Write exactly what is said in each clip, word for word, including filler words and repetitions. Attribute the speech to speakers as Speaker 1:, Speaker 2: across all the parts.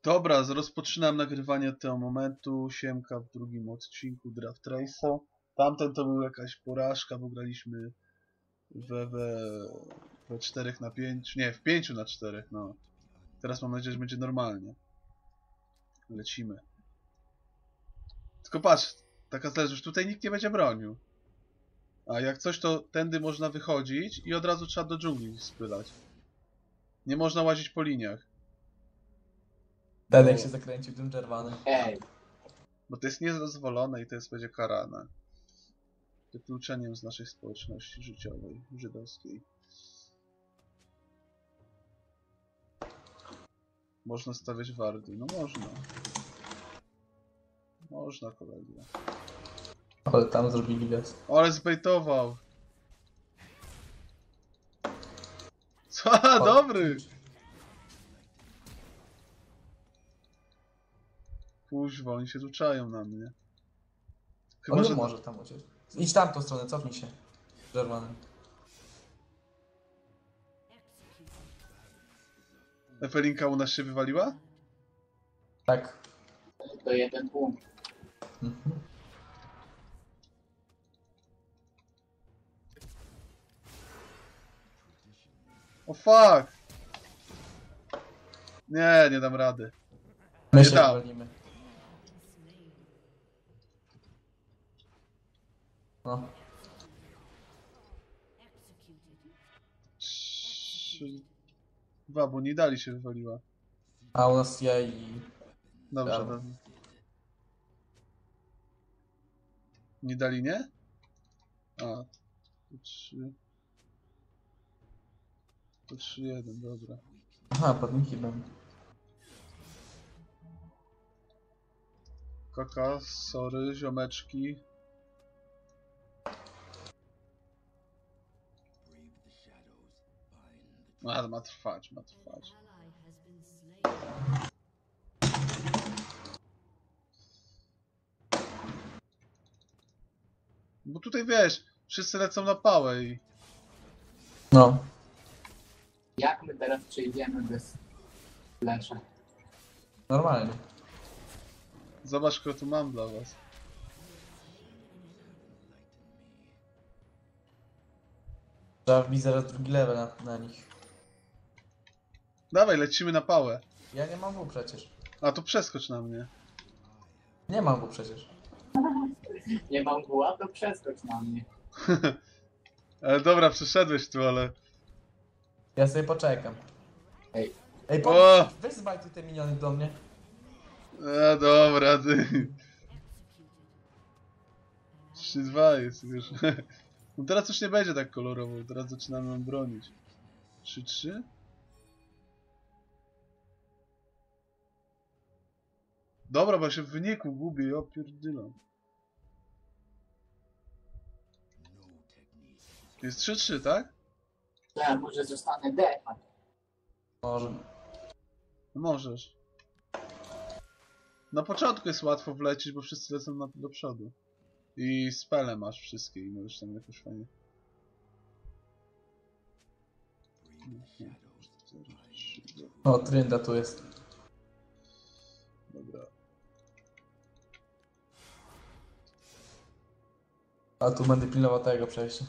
Speaker 1: Dobra, rozpoczynam nagrywanie tego momentu. Siemka w drugim odcinku Draft Race'a. Tamten to był jakaś porażka, bo graliśmy we, we, we czterech na pięć, nie, w pięciu na czterech, no. Teraz mam nadzieję, że będzie normalnie. Lecimy. Tylko patrz, taka zależność, tutaj nikt nie będzie bronił. A jak coś, to tędy można wychodzić i od razu trzeba do dżungli spylać. Nie można łazić po liniach.
Speaker 2: Ten jak się zakręcił tym czerwonym.
Speaker 3: Ej,
Speaker 1: Bo to jest niedozwolone i to jest będzie karane. Wykluczeniem z naszej społeczności życiowej, żydowskiej. Można stawiać wardy. No można. Można, kolego.
Speaker 2: Ale tam zrobili wiec.
Speaker 1: O, ale zbejtował! Co? Dobry! Kuźwa, oni się tu czają na mnie. Chyba,
Speaker 2: On
Speaker 1: że...
Speaker 2: nie może tam uciec. Idź tamtą stronę, cofnij się. Czerwonym.
Speaker 1: Efelinka u nas się wywaliła?
Speaker 2: Tak.
Speaker 3: to jeden punkt.
Speaker 2: Mhm.
Speaker 1: O fuck! Nie, nie dam rady.
Speaker 2: My
Speaker 1: Nie
Speaker 2: się
Speaker 1: dał.
Speaker 2: walimy. No.
Speaker 1: Trzy... Dwa, bo nie dali się wywaliła.
Speaker 2: A u nas ja i...
Speaker 1: Dobrze,
Speaker 2: Brawo.
Speaker 1: dobrze. Nie dali, nie? A, to trzy. To trzy jeden, dobra.
Speaker 2: Aha, podniki będą.
Speaker 1: Kaka, sorry, ziomeczki. A, ma trwać, ma trwać. Bo tutaj wiesz, wszyscy lecą na pałę i...
Speaker 2: No.
Speaker 3: Jak my teraz przejdziemy bez flesza?
Speaker 2: Normalnie.
Speaker 1: Zobacz, kogo tu mam dla was.
Speaker 2: Trzeba wbić zaraz drugi level na, na nich.
Speaker 1: Dawaj, lecimy na pałę.
Speaker 2: Ja nie mam W przecież.
Speaker 1: A, to przeskocz na mnie.
Speaker 2: Nie mam W przecież.
Speaker 3: Nie mam buła, to przeskocz na mnie.
Speaker 1: Ale dobra, przeszedłeś tu, ale...
Speaker 2: Ja sobie poczekam.
Speaker 3: Ej,
Speaker 2: Ej,
Speaker 1: O!
Speaker 2: po... weź zbajtuj te miniony do mnie.
Speaker 1: A, dobra, ty. trzy dwa jest już. No teraz już nie będzie tak kolorowo, teraz zaczynamy ją bronić. trzy trzy? Dobra, bo się w wyniku gubię, ja pierdylam. Jest trzy trzy, tak?
Speaker 3: ja może zostanę defa.
Speaker 2: Może.
Speaker 1: Możesz. Na początku jest łatwo wlecieć, bo wszyscy lecą na, do przodu. I spele masz wszystkie i możesz tam jakoś fajnie... cztery, trzy,
Speaker 2: O, Trynda tu jest.
Speaker 1: dobra.
Speaker 2: A tu będę pilnował tego przejścia.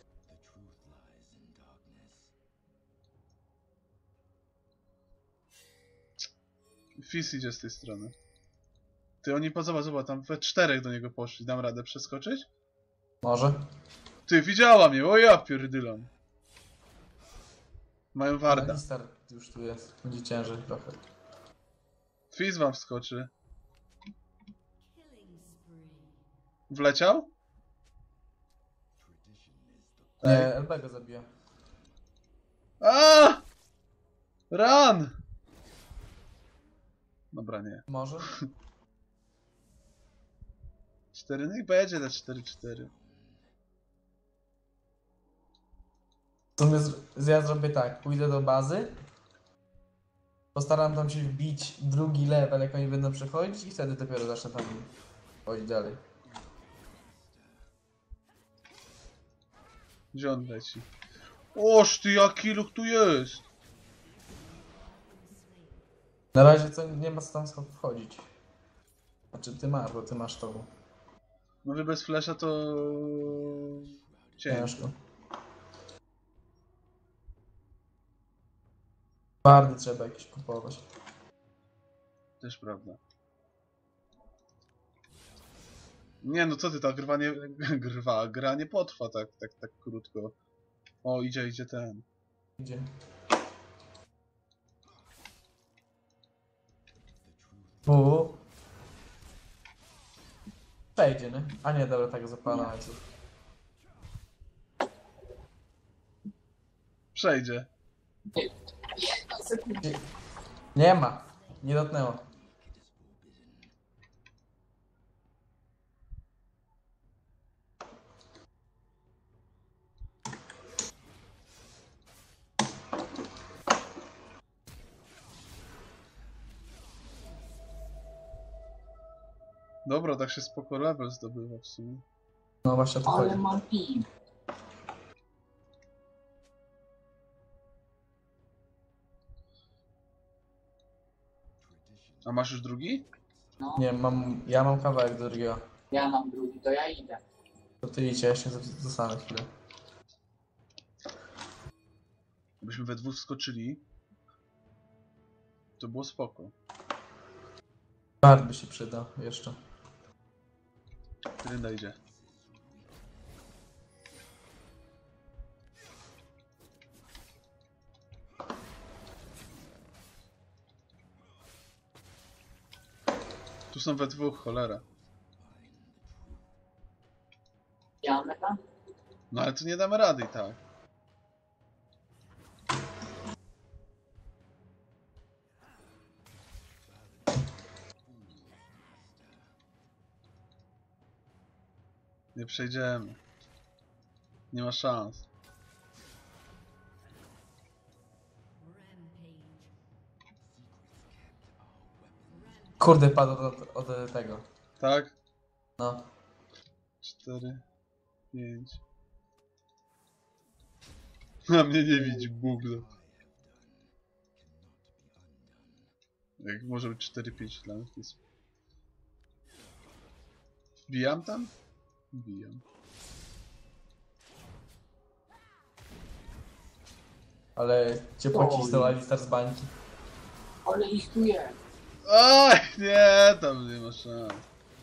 Speaker 1: Fizz idzie z tej strony. Ty, oni pozobacz, zobacz, tam we czterech do niego poszli. Dam radę przeskoczyć?
Speaker 2: Może?
Speaker 1: Ty, widziała mnie, o ja pierdylam. Mają warda.
Speaker 2: Alistar już tu jest. Będzie ciężej trochę.
Speaker 1: Fizz wam wskoczy. Wleciał?
Speaker 2: Nie, L B go zabija.
Speaker 1: A! Run! Dobra, nie.
Speaker 2: Może?
Speaker 1: cztery, niech będzie na cztery cztery.
Speaker 2: To my z... ja zrobię tak. Pójdę do bazy. Postaram tam się wbić drugi level, jak oni będą przechodzić i wtedy dopiero zacznę tam chodzić dalej.
Speaker 1: Gdzie on leci? Oż ty, jaki luk tu jest!
Speaker 2: Na razie co nie ma co tam wchodzić. Znaczy ty masz, bo ty masz to.
Speaker 1: Może bez flasha to... ciężko.
Speaker 2: Ciężko. Bardy trzeba jakieś kupować.
Speaker 1: Też prawda. Nie no co ty, ta grwa nie... grwa, gra nie potrwa tak, tak, tak krótko. O, idzie, idzie ten.
Speaker 2: Gdzie? U. Przejdzie, nie? A nie, dobra, tak zapala łańcuch.
Speaker 1: Przejdzie.
Speaker 3: Jedna sekunda.
Speaker 2: Nie ma. Nie dotknęło.
Speaker 1: Dobra, tak się spoko level zdobywa w sumie.
Speaker 2: No właśnie o to
Speaker 3: Ale
Speaker 2: chodzi.
Speaker 3: mam ping.
Speaker 1: A masz już drugi?
Speaker 3: No,
Speaker 2: Nie, mam, ja mam kawałek do drugiego.
Speaker 3: ja mam drugi, to ja idę.
Speaker 2: To ty idź, ja jeszcze zostanę chwilę.
Speaker 1: Gdybyśmy we dwóch skoczyli, to było spoko.
Speaker 2: Bard by się przydał jeszcze.
Speaker 1: Rynda idzie. Tu są we dwóch, cholera.
Speaker 3: Jadę tam?
Speaker 1: No ale tu nie damy rady i tak. Nie przejdziemy. Nie ma szans.
Speaker 2: Kurde, padł od, od, od tego.
Speaker 1: Tak?
Speaker 2: No.
Speaker 1: Cztery, pięć. Na mnie nie widzi Google. Jak może być cztery, pięć dla mnie to jest... Wbijam tam? Wbijam.
Speaker 2: Ale cię pocisnął Alistar z bańki.
Speaker 3: Ale ich tu jest.
Speaker 1: Oj, nie, tam nie ma szans.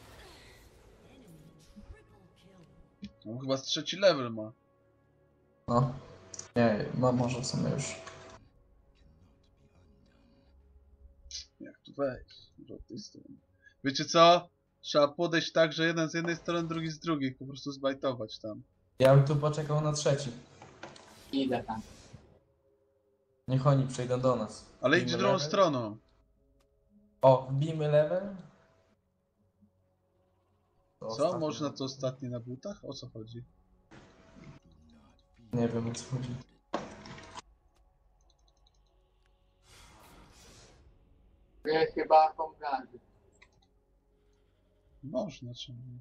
Speaker 1: On chyba z trzeci level ma.
Speaker 2: No. Nie, ma może w sumie już.
Speaker 1: Jak tu wejść? Może od tej strony. Wiecie co? Trzeba podejść tak, że jeden z jednej strony, drugi z drugiej. Po prostu zbajtować tam.
Speaker 2: Ja bym tu poczekał na trzeci.
Speaker 3: Idę tam.
Speaker 2: Niech oni przyjdą do nas.
Speaker 1: Ale
Speaker 2: Wbijmy
Speaker 1: idź drugą
Speaker 2: level.
Speaker 1: stroną.
Speaker 2: O, wbijmy level. To
Speaker 1: Co?
Speaker 2: ostatnie.
Speaker 1: Można to ostatnie na butach? O co chodzi?
Speaker 2: Nie wiem o co chodzi.
Speaker 3: Ja chyba komplany.
Speaker 1: Można, czemu nie?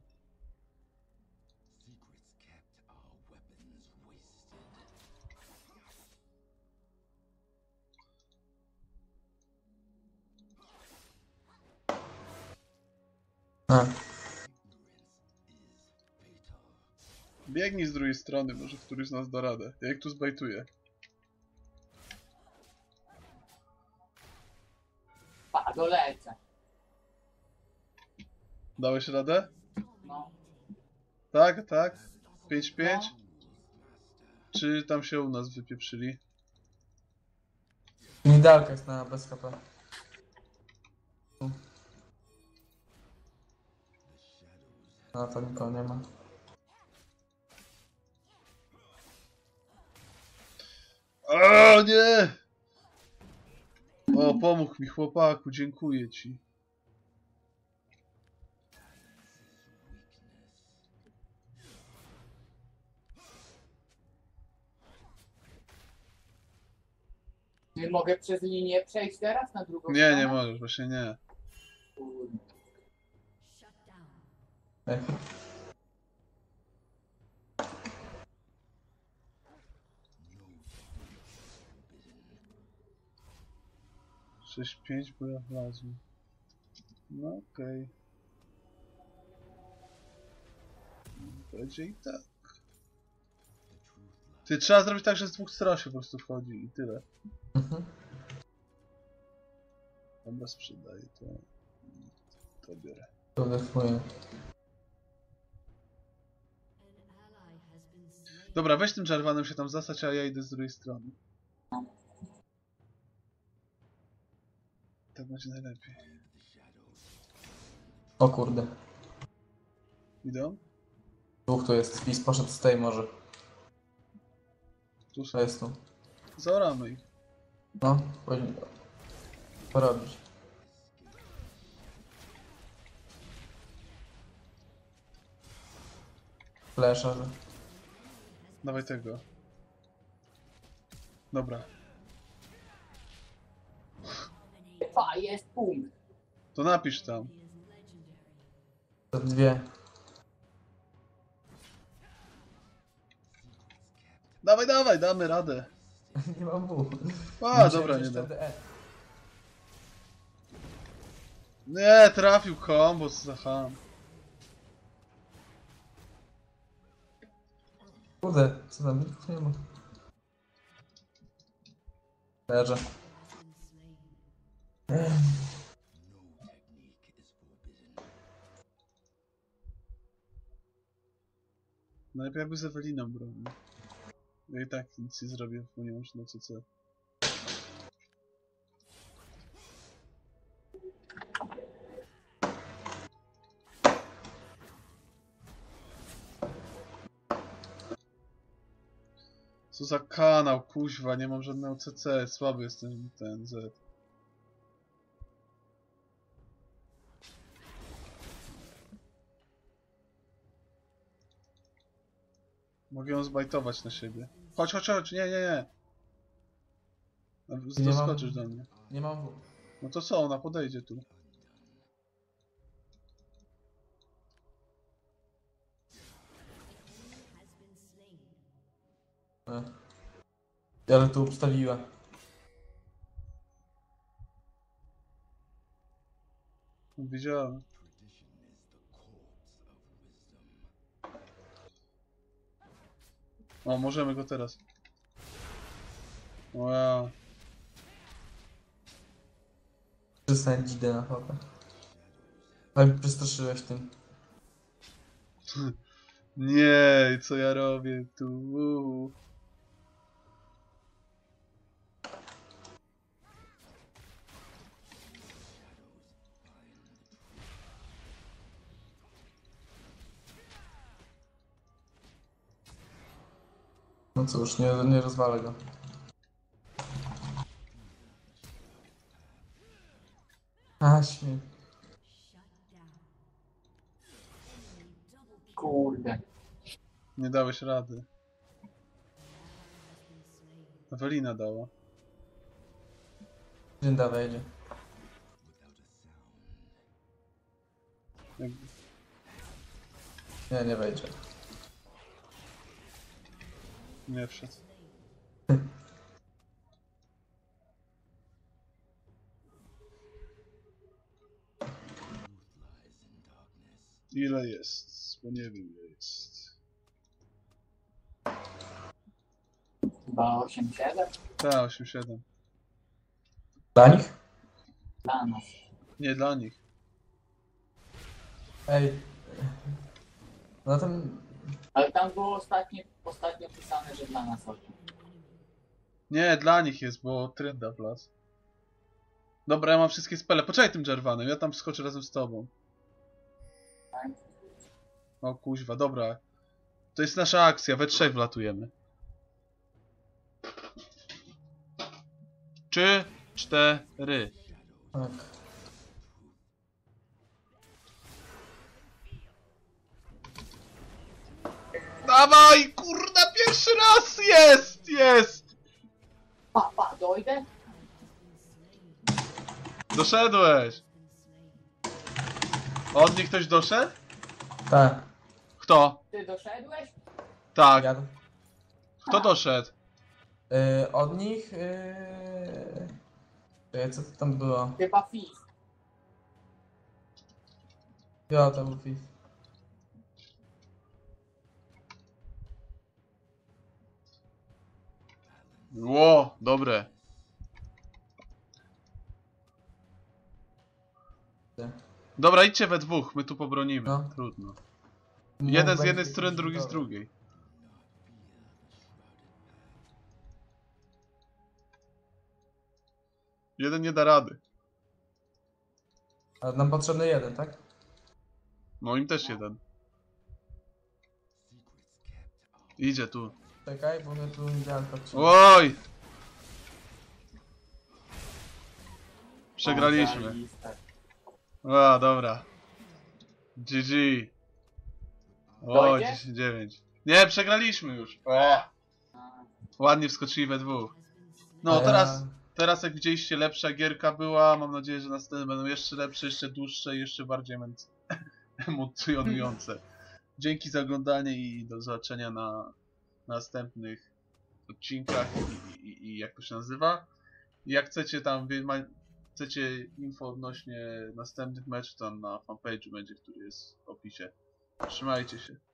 Speaker 2: A,
Speaker 1: Biegnij z drugiej strony, może któryś z nas da radę. Ja ich tu zbajtuję.
Speaker 3: Pa, dolecę.
Speaker 1: Dałeś radę?
Speaker 3: No.
Speaker 1: Tak, tak. pięć pięć?
Speaker 3: No.
Speaker 1: Czy tam się u nas wypieprzyli?
Speaker 2: Nidalka jest na bez K P. No to nikogo nie ma.
Speaker 1: O nie! O, pomógł mi chłopaku, dziękuję ci.
Speaker 3: Czy mogę przez linię przejść teraz na drugą
Speaker 1: Nie,
Speaker 3: stronę?
Speaker 1: nie możesz, właśnie nie.
Speaker 3: Kurde.
Speaker 2: Ech.
Speaker 1: sześć pięć, bo ja wlazłem. No okej. Okay. Będzie i tak. Ty, trzeba zrobić tak, że z dwóch stron się po prostu wchodzi i tyle.
Speaker 2: Mhm.
Speaker 1: Dobra, sprzedaję to. To biorę.
Speaker 2: To defuję.
Speaker 1: Dobra, weź tym Jarvanem się tam zasać, a ja idę z drugiej strony. Tak będzie najlepiej.
Speaker 2: O kurde.
Speaker 1: Idą?
Speaker 2: Dwóch tu jest. Fizz poszedł z tej może.
Speaker 1: Tu są.
Speaker 2: To jest tu.
Speaker 1: Zaoramy ich.
Speaker 2: No, powinien porobić. Flesza, że...
Speaker 1: Dawaj tego. Dobra.
Speaker 3: Fa, jest punkt.
Speaker 1: To napisz tam.
Speaker 2: To dwie.
Speaker 1: Dawaj, dawaj, damy radę.
Speaker 2: Nie mam W.
Speaker 1: A, dobra, nie da. Nie, trafił kombo z Zaham.
Speaker 2: Kurde, co tam? Mitków nie ma. Leżę.
Speaker 1: Najlepiej jakby z Eweliną bronił. Ja i tak nic nie zrobię, ponieważ na C C. Co za kanał, kuźwa, nie mam żadnego C C, słaby jestem ten Z. Mogę ją zbajtować na siebie. Chodź, chodź, chodź, nie, nie, nie.
Speaker 2: Nie mam-
Speaker 1: Doskoczysz do mnie.
Speaker 2: Nie mam W.
Speaker 1: No to co, ona podejdzie tu.
Speaker 2: E. Ale tu obstawiła.
Speaker 1: Widziałem. O, możemy go teraz. Wow.
Speaker 2: Przestań dzidę na chopę. Ale mnie przestraszyłeś tym.
Speaker 1: Nie, co ja robię tu?
Speaker 2: No cóż, nie, nie rozwalę go. A, śmiech.
Speaker 3: Kurde.
Speaker 1: Nie dałeś rady. Ewelina dała.
Speaker 2: Dżinda wejdzie.
Speaker 1: Jak...
Speaker 2: Nie, nie wejdzie.
Speaker 1: Nie wszedł. Ile jest? Bo nie wiem ile jest.
Speaker 3: Chyba osiem siedem
Speaker 1: Tak, osiem siedem.
Speaker 2: Dla nich?
Speaker 3: dla nas.
Speaker 1: Nie dla nich.
Speaker 2: Ej. No ten...
Speaker 3: Ale tam było ostatnio, ostatnio pisane, że dla nas osiem.
Speaker 1: Nie, dla nich jest, bo trynda wlazł. Dobra, ja mam wszystkie spele. Poczekaj tym Jarvanem, ja tam skoczę razem z tobą.
Speaker 3: Tak?
Speaker 1: O kuźwa, dobra. To jest nasza akcja, we trzech wlatujemy. Trzy, cztery.
Speaker 2: Tak.
Speaker 1: Dawaj, kurna, pierwszy raz jest, jest!
Speaker 3: Pa, pa, dojdę?
Speaker 1: Doszedłeś. Od nich ktoś doszedł?
Speaker 2: Tak.
Speaker 1: Kto?
Speaker 3: Ty doszedłeś?
Speaker 1: Tak.
Speaker 2: Jadę.
Speaker 1: Kto doszedł?
Speaker 2: Yy, od nich... Yy... Czekaj, co to tam było?
Speaker 3: Chyba Fizz.
Speaker 2: Ja, to był Fizz.
Speaker 1: Ło, dobre. Dobra, idźcie we dwóch, my tu pobronimy.
Speaker 2: No.
Speaker 1: Trudno.
Speaker 2: No,
Speaker 1: Jeden z
Speaker 2: będzie
Speaker 1: jednej strony,
Speaker 2: jakiś
Speaker 1: drugi z
Speaker 2: dobra.
Speaker 1: drugiej. Jeden nie da rady.
Speaker 2: Ale nam potrzebny jeden, tak?
Speaker 1: Moim też jeden. Idzie tu.
Speaker 2: Czekaj, bo mnie tu nie działa patrzeć.
Speaker 1: Oj! Przegraliśmy.
Speaker 3: Zajebiste.
Speaker 1: A, dobra. G G. O,
Speaker 3: Dojdzie?
Speaker 1: dziesięć dziewięć. Nie, przegraliśmy już. O,
Speaker 3: A,
Speaker 1: ładnie wskoczyli we dwóch.
Speaker 2: A
Speaker 1: No,
Speaker 2: ja-
Speaker 1: teraz, teraz jak widzieliście, lepsza gierka była. Mam nadzieję, że następne będą jeszcze lepsze, jeszcze dłuższe i jeszcze bardziej emen- emocjonujące. Dzięki za oglądanie i do zobaczenia na następnych odcinkach i, i, i jak to się nazywa. I jak chcecie tam, wie- ma- chcecie info odnośnie następnych meczów, tam na fanpage'u będzie, który jest w opisie. Trzymajcie się.